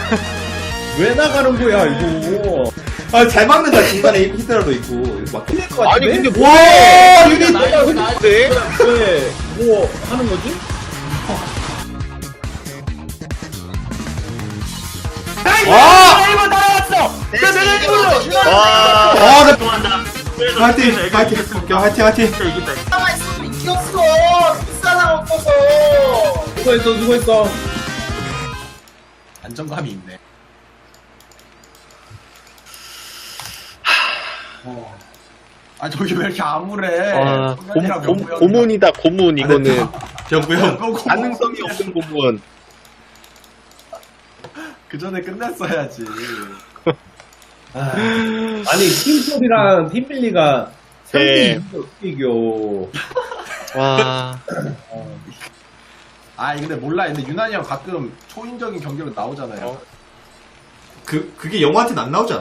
왜 나가는 거야 이거? 아, 잘 막는다. 중간에 히드라도 있고. 막 틀릴 것 아니 같은데? 근데 와, 뭐야 유닛! 나이스 왜뭐 하는 거지? 와! 일본 따라왔어. 와 아, 나 좋아한다. 화이팅! 화이팅! 화이팅! 화이팅! 가만 있으면 이겼어. 비싸나 없어서. 누가 했어? 안정감이 있네. 아 저기 왜 이렇게 암울해? 와, 성현이랑 명구 형이랑. 고문이다, 고문, 이거는. 병구 형. 그거 고문. 가능성이 없는 고문. 그 전에 끝냈어야지. 아니 팀솔이랑 팀빌리가 네. 3대 2를 어떻게 이겨? 와, 아 근데 몰라. 근데 유난히 형 가끔 초인적인 경기로 나오잖아요. 그게 영화한테는 안 나오지 않아?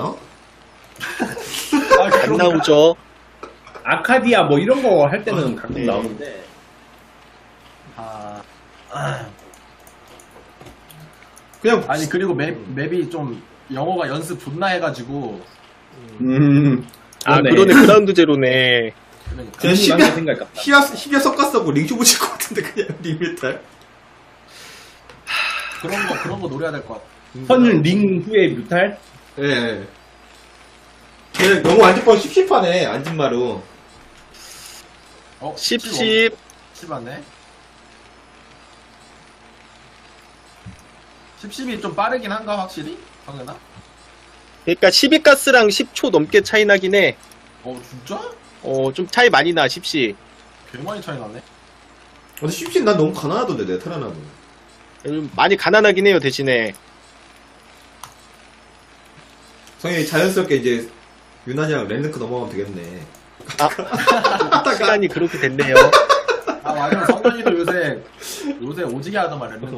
아, 안 그런가? 나오죠. 아카디아 뭐 이런 거 할 때는 가끔 네. 나오는데. 아, 그냥 아니 그리고 맵이 좀 영어가 연습 존나 해가지고 아, 그러네. 그러네, 그라운드 제로네. 그러니까. 그냥 괜히 많은 생각 같다. 히야 섞었어고 링쇼 붙일 것 같은데, 그냥 리메탈. 그런 거 노려야 될 것 같아. 선링 후에 뮤탈? 예. 걔 너무 안전빵 씹씹하네, 안진마루. 어? 10. 맞네. 10이 좀 빠르긴 한가 확실히? 성현아? 그러니까 12가스랑 10초 넘게 차이 나긴 해. 어 진짜? 좀 차이 많이 나, 10시. 개 많이 차이 나네. 근데 씹씹 난 너무 가난하던데, 내가 테라나무. 많이 가난하긴 해요, 대신에. 성현이 자연스럽게 이제 유난이랑 랜드크 넘어가면 되겠네. 아, 시간이 그렇게 됐네요. 아 맞아. 성현이도 요새 오지게 하더만 랜드.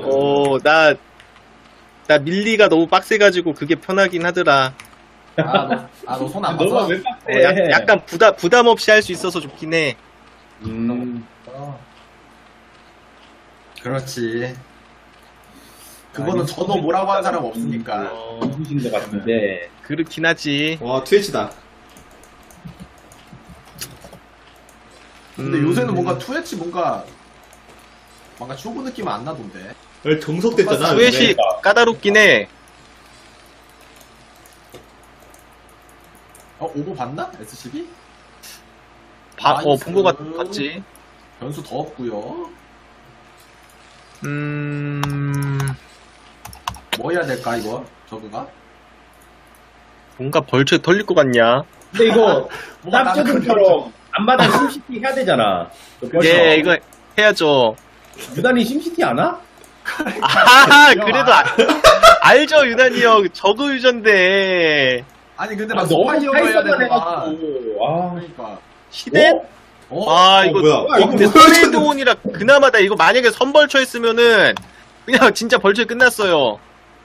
나 밀리가 너무 빡세가지고 그게 편하긴 하더라. 너 손 안 너가 봐서? 왜 빡세? 약간 부담 없이 할 수 있어서 좋긴 해. 그렇지. 그거는 아니, 저도 뭐라고 한 사람 없으니까. 누구신 것 같은데. 그렇긴 하지. 와, 트위치다. 근데 요새는 뭔가 투엣이 뭔가 쇼부 느낌은 안 나던데. 정석됐잖아. 스웨시 까다롭긴 해. 오버 봤나? S12? 본 거 같지. 변수 더 없고요. 뭐 해야 될까 이거? 저거가? 뭔가 벌초에 털릴 것 같냐? 근데 이거 뭔가 나는 짭조름처럼 안마당 심시티 해야 되잖아. 예, 이거 해야죠. 유단이 심시티 안 와? 그래도 알죠, 유난히 형. 저거 유전데. 아니 근데 아, 막 너무 스파이어가 해야 타이서만 되는 거야. 해가지고. 아, 그러니까. 시대? 이거. 뭐야? 근데 선레드온이라 그나마 다 이거 만약에 선벌초 했으면은 그냥 진짜 벌초에 끝났어요.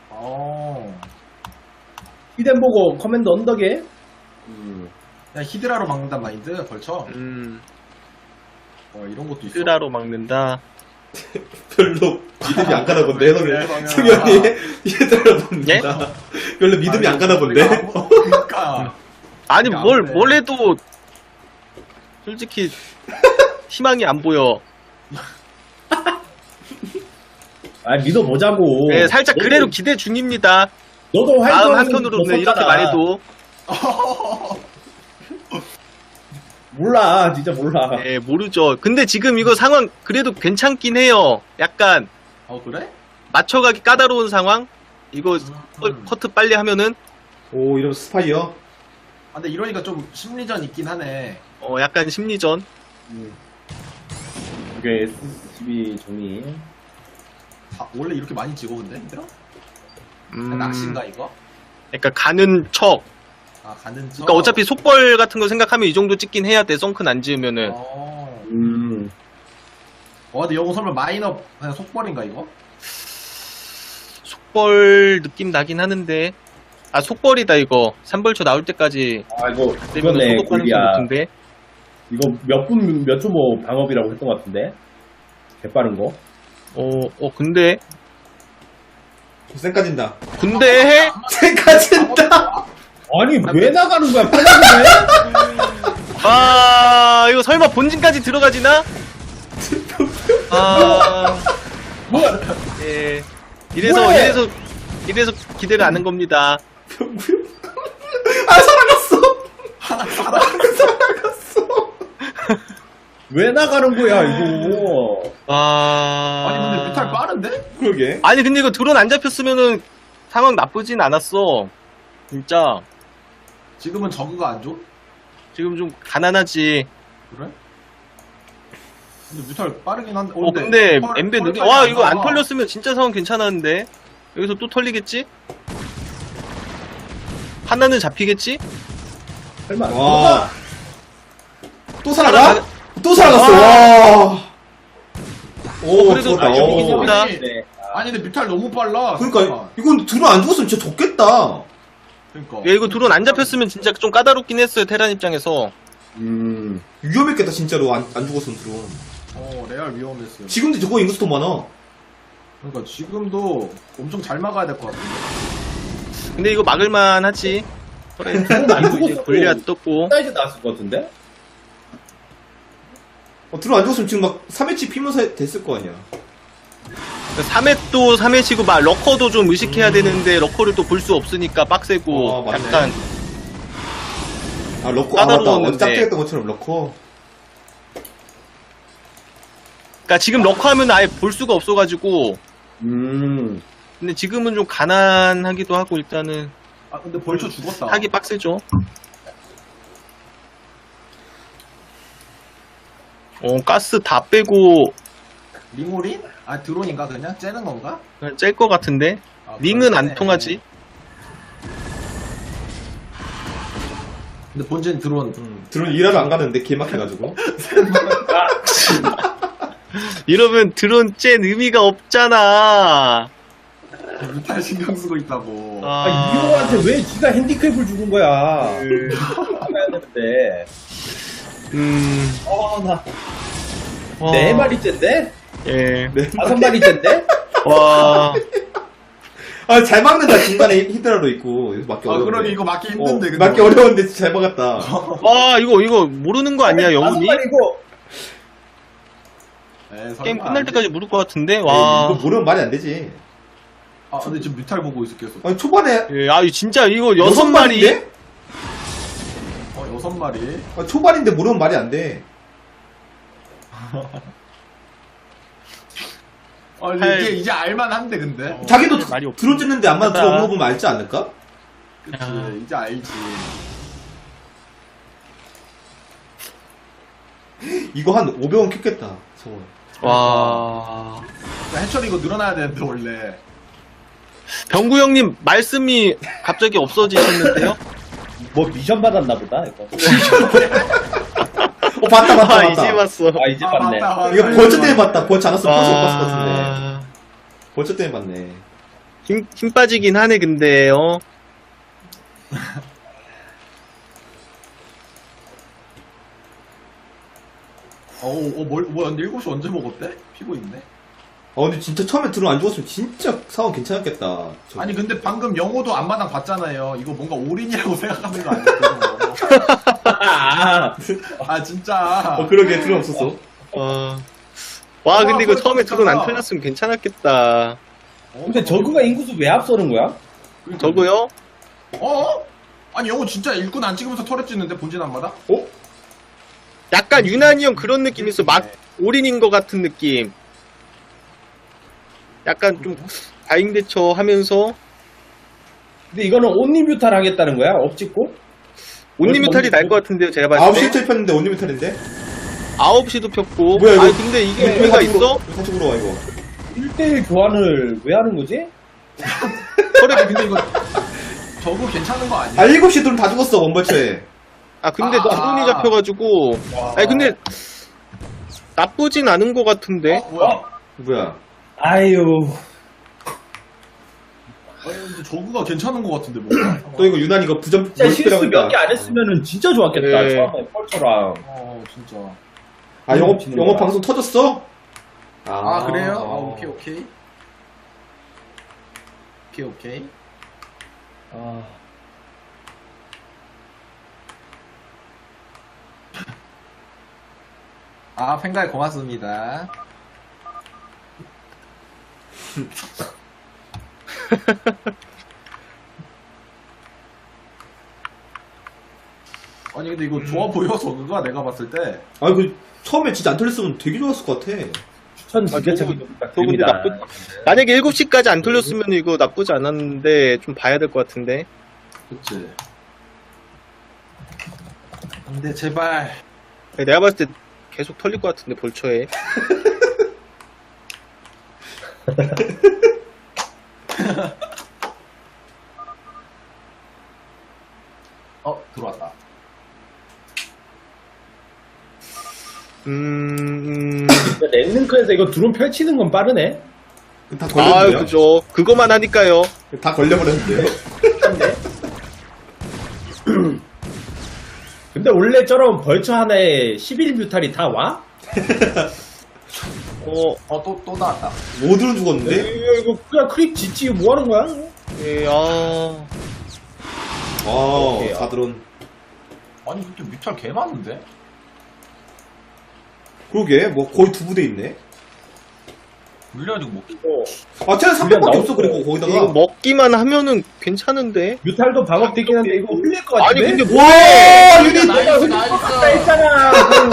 히덴 보고 커맨드 언덕에? 그냥 히드라로 막는단 마인드 벌쳐. 이런 것도 있어. 쓰라로 막는다. 별로 믿음이 안 가나 본데, 그래, 너는. 성현아. 승현이 얘들아 본다. 별로 믿음이 안 가나 본데. 그러니까. 아니, 안 돼. 뭘 해도 솔직히 희망이 안 보여. 아, 믿어보자고. 네, 살짝 너도- 그래도 기대 중입니다. 너도 다음 활동 한편으로는 이렇게 말해도. 몰라, 진짜 몰라. 네, 모르죠. 근데 지금 이거 상황 그래도 괜찮긴 해요. 약간 그래? 맞춰가기 까다로운 상황? 이거 커트 빨리 하면은 오, 이런 스파이어? 근데 이러니까 좀 심리전 있긴 하네. 약간 심리전. 이게 S12 정리. 원래 이렇게 많이 찍어 근데 힘들어? 낚시인가 이거? 그러니까 가는 척. 가는 척. 그러니까 어차피 속벌 같은 거 생각하면 이 정도 찍긴 해야 돼. 썬큰 안 지으면은. 근데 이거 설마 마이너 그냥 속벌인가 이거? 속벌 느낌 나긴 하는데. 속벌이다 이거. 3벌초 나올 때까지 아, 이거, 되면 이거네, 소독 가능성 골리야. 높은데. 이거 몇 초 뭐 방업이라고 했던 것 같은데? 개빠른 거? 근데 쌩까진다. 군대 해? 쌩까진다. 아니 왜 나가는 거야? 빨리 해. 아, 이거 설마 본진까지 들어가지나? 아, 뭐야? 예. 이래서, 뭐해? 이래서 기대를 안 한 겁니다. 병구형. 아, 살아갔어. 왜 나가는 거야 이거? 아. 아니 근데 뮤탈 빠른데? 그러게. 아니, 근데 이거 드론 안 잡혔으면은 상황 나쁘진 않았어. 진짜. 지금은 저그가 안 줘? 지금 좀 가난하지. 그래? 근데 뮤탈 빠르긴 한데. 근데 펄- 엠베 느리, 펄까지 와, 안 이거 안 나와. 털렸으면 진짜 상황 괜찮았는데. 여기서 또 털리겠지? 하나는 잡히겠지? 설마. 와. 또 살아가- 살아가? 또 살아갔어. 와. 오, 그래도 죽었다. 아, 여기 오. 있습니다. 아니, 아니 근데 뮤탈 너무 빨라. 그러니까 잠깐만. 이건 들어 안 죽었으면 진짜 졌겠다. 그러니까. 야, 이거 드론 안 잡혔으면 진짜 좀 까다롭긴 했어요, 테란 입장에서. 위험했겠다 진짜로 안 죽었으면 들어. 레알 위험했어요. 지금도 저거 인구수 더 많아. 그러니까 지금도 엄청 잘 막아야 될 것 같은데. 근데 이거 막을만 하지. 그래, 드론 안 이제 죽었어도 골리앗 떴고. 사이즈 나왔을 것 같은데? 들어 안 죽었으면 지금 막 3회치 피면서 됐을 거 아니야. 3회도 3회치고 막 러커도 좀 의식해야 되는데 러커를 또 볼 수 없으니까 빡세고 맞네. 약간 아 러커 아 맞다. 어제 까다로웠는데. 짝짝했던 것처럼 러커. 그러니까 지금 러커 하면 아예 볼 수가 없어가지고 근데 지금은 좀 가난하기도 하고 일단은 아 근데 벌써 죽었다. 하기 빡세죠. 가스 다 빼고 링오린? 아 드론인가 그냥? 째는 건가? 그냥 짤 것 같은데 아, 링은 그러네. 안 통하지. 근데 본진 드론. 들어 일하러 안 가는데 개 막혀가지고. 이러면 드론 짠 의미가 없잖아. 뮤탈 신경 쓰고 있다고. 아, 이호한테 왜 지가 핸디캡을 주는 거야? 해야 되는데. 나 와. 4마리째인데? 예. 5마리째인데? 와. 아 잘 막는다 중간에 히드라로 있고 여기서 막기 아 어려운데. 그러게 이거 막기 힘든데. 근데 막기 어려운데 진짜 잘 막았다. 와, 이거 모르는 거 아니야, 영훈이? 5마리고. 에이, 설마 게임 안 끝날 돼. 때까지 모를 것 같은데, 이거 와. 모르면 말이 안 되지. 아 근데 지금 뮤탈 보고 있었겠어. 아니 초반에 예, 아, 진짜 이거 6마리. 6마리인데? 6마리. 아, 초반인데 모르면 말이 안 돼. 아 이제 알만한데 근데. 자기도 말이 없- 들어주는데 안만 맞다. 들어온 거 보면 알지 않을까? 그치 야. 이제 알지. 이거 한 500원 켰겠다. 저거. 와. 그러니까 해철이 이거 늘어나야 되는데 원래. 병구 형님, 말씀이 갑자기 없어지셨는데요? 뭐 미션 받았나 보다, 이거. 봤다. 아, 이제 봤어. 아, 이제 봤네. 맞다. 이거 벌초 때문에 봤다. 벌초 안 왔으면 벌초 못 봤을 것 같은데. 아, 벌초 때문에 봤네. 힘 빠지긴 하네, 근데, 뭐야 근데 7시 언제 먹었대? 피고 있네. 근데 진짜 처음에 들어 안 죽었으면 진짜 상황 괜찮았겠다. 저거. 아니 근데 방금 영호도 앞마당 봤잖아요. 이거 뭔가 올인이라고 생각하는 거 아니에요? 아, 아 진짜. 그러게 들어 없었어. 와, 근데 이거 벌써 처음에 드론 안 괜찮아. 털렸으면 괜찮았겠다. 근데 저그가 인구수 왜 앞서는 거야? 저거요? 아니 영호 진짜 일꾼 안 찍으면서 털에 찍는데 본진 앞마당? 약간 유난히 형 그런 느낌 있어. 막 올인인 것 같은 느낌. 약간 좀 다잉 대처 하면서 근데 이거는 온리뮤탈 하겠다는 거야? 업찍고? 온리뮤탈이 날 것 같은데요, 제가 봤을 9시에 때. 텔 폈는데 온리미탈인데? 9시도 폈고. 뭐야, 이거? 아니, 근데 이게 의미가 있어? 사쪽으로 와, 이거. 1대1 교환을 왜 하는 거지? 아니 근데 이거 저거 괜찮은 거 아니야? 7시 들은 다 죽었어, 원벌초에. 근데 드론이 잡혀가지고. 아니, 근데 나쁘진 않은 것 같은데. 뭐야? 뭐야. 아유. 아니 근데 저거가 괜찮은 거 같은데 뭔가? 또 이거 유난 이거 부전, 진짜 실수 몰피라고 몇 했다. 개 안 했으면은 진짜 좋았겠다. 네. 처음에 펄처랑. 진짜. 영업 방송 터졌어? 아 그래요? 오케이. 오케이. 팬가이 고맙습니다. 아니 근데 이거 좋아 보여 저그가 내가 봤을 때. 아니 그 처음에 진짜 안 털렸으면 되게 좋았을 것 같아. 추천 지게차기 저거 근데 부탁드립니다. 만약에 7시까지 안 털렸으면 이거 나쁘지 않았는데 좀 봐야 될 것 같은데. 그치. 근데 제발. 내가 봤을 때 계속 털릴 것 같은데 벌초에. 들어왔다. 랜능크에서 이거 드론 펼치는 건 빠르네. 다 아, 걸렸는데요? 그죠. 그거만 하니까요. 다 걸려버렸는데요? 근데 원래 저런 벌처 하나에 11뮤탈이 다 와? 또 나왔다. 모두는 죽었는데? 이거 그냥 크립 짓지 뭐 하는 거야? 예, 아, 사드론. 아니 근데 뮤탈 개 많은데? 그러게, 뭐 거의 두 부대 있네. 물려가지고 뭐. 아, 쟤는 300밖에 없어, 그리고 이거 거기다가. 먹기만 하면은 괜찮은데. 뮤탈도 방어되긴 한데 이거 흘릴 것 아니 같은데? 근데 와, 유닛! 다 했잖아.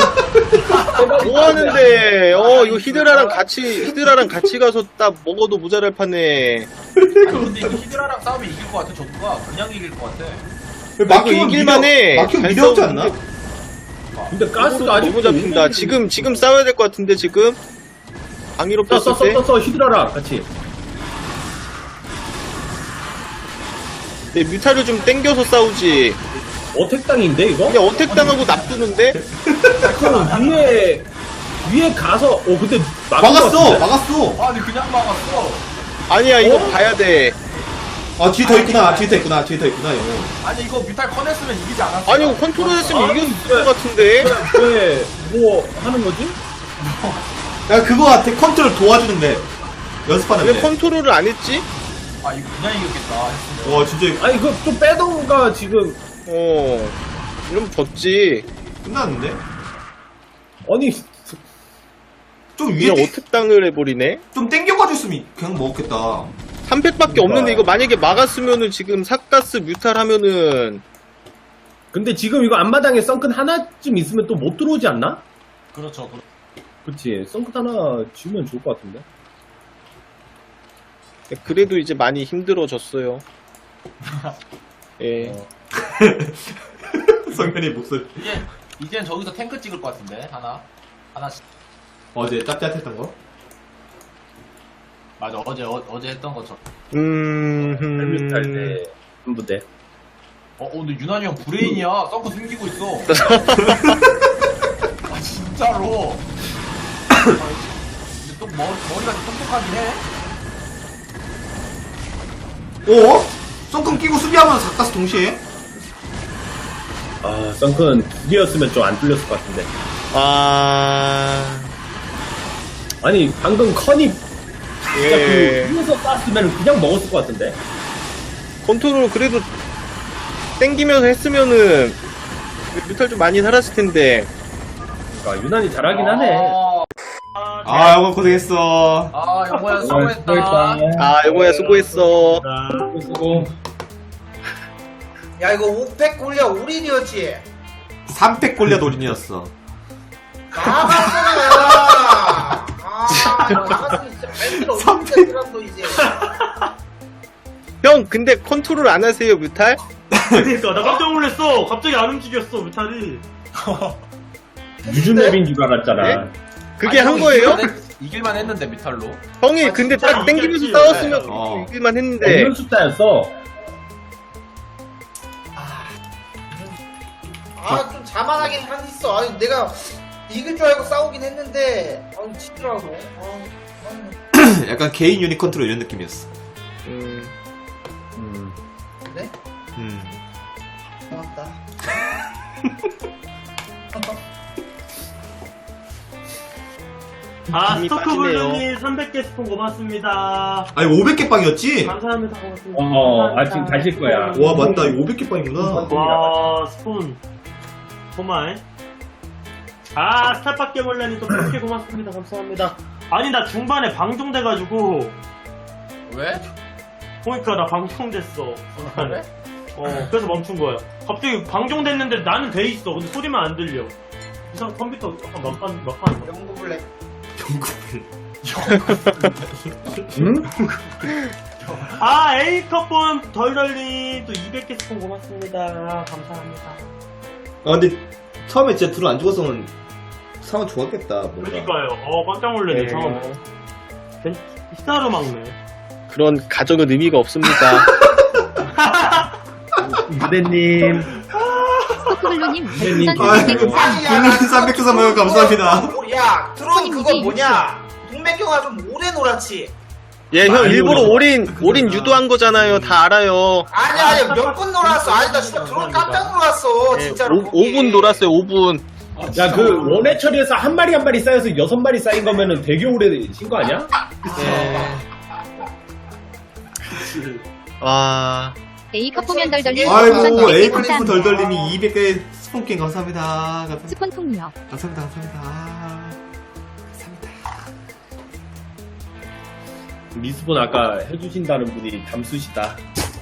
뭐 하는데? 이거 히드라랑 같이 가서 딱 먹어도 모자랄 판에. 아니 근데 이거 히드라랑 싸우면 이길 것 같아 저그가. 그냥 이길 것 같아. 막히면 이길만해. 막히면 잘 미려 없지 않나? 싸우는데. 근데 가스가 아직 너무 잡힌다. 지금 싸워야 될 것 같은데 지금. 방위로 뺐을 때. 써 히드라랑 같이. 네, 뮤타를 좀 땡겨서 싸우지. 어택당인데 이거? 그냥 어택당하고 납두는데? 그럼 위에 가서 근데 막았어! 막았어! 아니 그냥 막았어. 아니야, 이거 봐야 돼. 아, 뒤에 더 있구나, 뒤에 더 있구나, 영어. 아니 이거 뮤탈 커냈으면 이기지 않았어. 아니, 이거 컨트롤 했으면 이겼을 것 같은데? 왜 뭐 하는 거지? 야, 그거 같아. 컨트롤 도와주는데. 왜 연습하는데. 컨트롤을 안 했지? 아 이거 그냥 이겼겠다. 했으면. 와, 진짜 아니 이거 좀 빼던가 지금. 이러면 졌지. 끝났는데? 아니 좀 위에 그냥 어택당을 해버리네? 좀 땡겨가줬으면 그냥 먹었겠다. 3팩밖에 없는데 이거 만약에 막았으면은 지금 삭가스 뮤탈 하면은 근데 지금 이거 앞마당에 썬큰 하나쯤 있으면 또 못 들어오지 않나? 그렇죠. 그치 썬큰 하나 지우면 좋을 것 같은데. 그래도 이제 많이 힘들어졌어요. 예. 성현이 목소리. 이젠 저기서 탱크 찍을 것 같은데 하나씩. 어제 짭짭했던 거? 맞아 어제 했던 것처럼. 헬뮤탈 때 한부대. 근데 유난히 형 브레인이야. 썬크 숨기고 있어. 아 진짜로. 근데 또 머리가 좀 똑똑하긴 해. 어? 썬금 끼고 수비하면 가까스 동시에? 아 썬큰 두 개였으면 좀 안 뚫렸을 것 같은데. 아니 방금 커니 예. 그 위에서 쐈으면 그냥 먹었을 것 같은데. 컨트롤 그래도 땡기면서 했으면은 뮤탈 좀 많이 살았을 텐데. 그러니까 유난히 잘하긴 하네. 아, 영어 고생했어. 영호야 수고했다. 여보야 수고했어. 수고. 야 이거 5팩 올려 올인이었지. 3팩 골려 노린이었어. 나갔잖아. 나갔으면 진짜 밴드를 어떻게 들었어 이제. 형 근데 컨트롤 안 하세요 뮤탈? 그러니까 나 깜짝 놀랐어. 갑자기 안 움직였어 뮤탈이. 유즈맵인 줄 알았잖아. 그게 한 거예요? 이길만 했는데 뮤탈로. 형이 근데 딱 땡기면서 이겼지. 싸웠으면 어. 이길만 했는데. 없는 숫자였어. 좀 자만하긴 했어. 아니 내가 이길 줄 알고 싸우긴 했는데 지더라고. 약간 개인 유닛 컨트롤 이런 느낌이었어. 그래? 고맙다. 아, 힘이 스토크 빠지네요. 블루님 300개 스폰 고맙습니다. 아니 500개 빵이었지? 감사합니다. 고맙습니다. 지금 가실 거야. 와 맞다 이거 500개 빵이구나. 와, 스폰. 고마해. 아, 스타파 깨몰래님 또 100개 고맙습니다. 감사합니다. 아니, 나 중반에 방종돼가지고. 왜? 보니까 나 방종됐어. 그래? 그래서 멈춘 거야. 갑자기 방종됐는데 나는 돼 있어. 근데 소리만 안 들려. 이상 컴퓨터 약간 막판. 영구 블랙. 아, A컵본 덜덜님 또 200개 스폰 고맙습니다. 감사합니다. 아 근데 처음에 진짜 둘 안 죽었으면 상황 좋았겠다 뭔가. 그러니까요. 깜짝 놀랐네. 상황. 히타르 막네. 그런 가정은 의미가 없습니다. 무대님. 스토크블루님 아이고 별풍선 블루님 300개 선물 감사합니다. 야, 드론 그거 뭐냐? 동맥경 와서 오래 놀았지. 예, 형 많이 일부러 놀았어. 올인 유도한 거잖아요. 다 알아요. 아니야, 몇 분 놀았어. 아니, 나 진짜 드론 깜짝 놀랐어. 예, 진짜로. 5분 놀았어요. 5분. 야, 그 원해 처리에서 한 마리 한 마리 쌓여서 6마리 쌓인 거면은 되게 오래 신 거 아니야? 예. 와. A컵 보면 덜덜님 아이고 별풍선 100개 에이클리프 감사합니다. 덜덜님이 200개 스폰킹 감사합니다. 감사합니다. 스폰 통역. 감사합니다. 미스본 아까 해주신다는 분이 담수시다.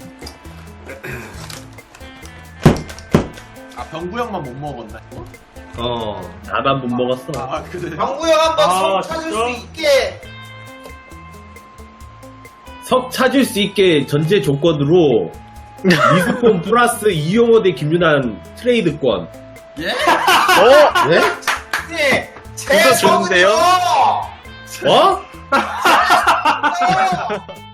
아, 병구 형만 못 먹었나, 이거? 나만 못 먹었어. 아, 그래. 병구 형 한번 아, 속 찾을 진짜? 수 있게. 석 찾을 수 있게 전제 조건으로 미스본 플러스 이용호 대 김윤환 트레이드권. 예? 네? 네, 제 그거 좋은데요? 성은요! 어? 어!